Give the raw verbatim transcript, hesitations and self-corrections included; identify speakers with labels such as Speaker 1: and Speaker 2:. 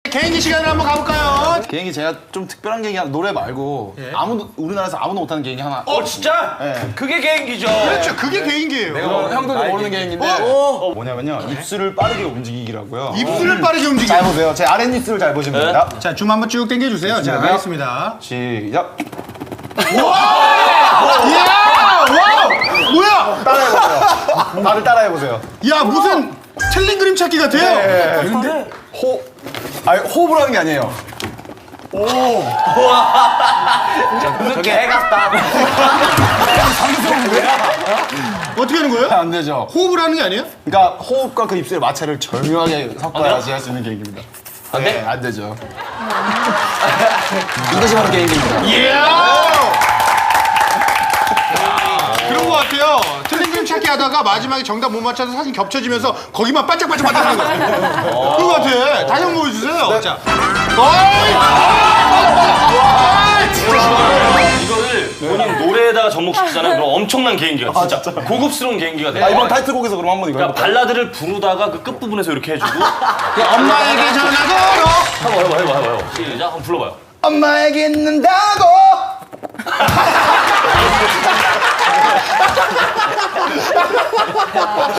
Speaker 1: 개인기 시간을 한번 가볼까요?
Speaker 2: 개인기 제가 좀 특별한 개인기 하나, 노래 말고
Speaker 1: 예.
Speaker 2: 아무도 우리나라에서 아무도 못하는 개인기 하나.
Speaker 3: 어 진짜?
Speaker 2: 네.
Speaker 3: 그게 개인기죠.
Speaker 1: 그렇죠. 그게 개인기예요.
Speaker 2: 어, 형들도 모르는 개인기인데
Speaker 1: 어?
Speaker 2: 뭐냐면요 입술을 빠르게 움직이기라고요.
Speaker 1: 입술을 빠르게 움직이기.
Speaker 2: 잘 보세요. 제 아랫입술을 잘 보시면 됩니다.
Speaker 1: 자, 줌 한번 쭉 당겨주세요. 자, 하겠습니다.
Speaker 2: 시작.
Speaker 1: 이야! 와! 뭐야?
Speaker 2: 따라해보세요. 다들 따라해보세요.
Speaker 1: 야, 무슨 틀린 그림 찾기 같아요.
Speaker 2: 네. 근데 호, 아니 호흡을 하는 게 아니에요.
Speaker 3: 저게 애 같다.
Speaker 1: 어떻게 하는 거예요?
Speaker 2: 안 되죠.
Speaker 1: 호흡을 하는 게 아니에요?
Speaker 2: 그러니까 호흡과 그 입술의 마찰을 절묘하게 섞어야지 할 수 있는 개인기입니다.
Speaker 3: 안 돼?
Speaker 2: 네, 안 되죠. 이것이 바로 개인기입니다.
Speaker 1: 이야! 그런 거 같아요. 틀린 그림 찾기 하다가 마지막에 정답 못 맞춰서 사진 겹쳐지면서 거기만 반짝반짝 반짝하는 거. 그런 거 같아. 다시 한번 보여주세요. 자. 어이! 아, 진짜 싫어.
Speaker 3: 이거를 본인 노래에다가 접목시키잖아요. 그럼 엄청난 개인기가 진짜 고급스러운 개인기가 돼요.
Speaker 2: 아, 이번 타이틀곡에서 그럼 한번 이거
Speaker 3: 그러니까
Speaker 2: 해볼까요?
Speaker 3: 발라드를 부르다가 그 끝부분에서 이렇게 해주고
Speaker 1: 엄마에게 전화 걸어.
Speaker 3: 해봐 해봐 해봐 해봐 시작 한번 불러봐요.
Speaker 2: 엄마에게 있는다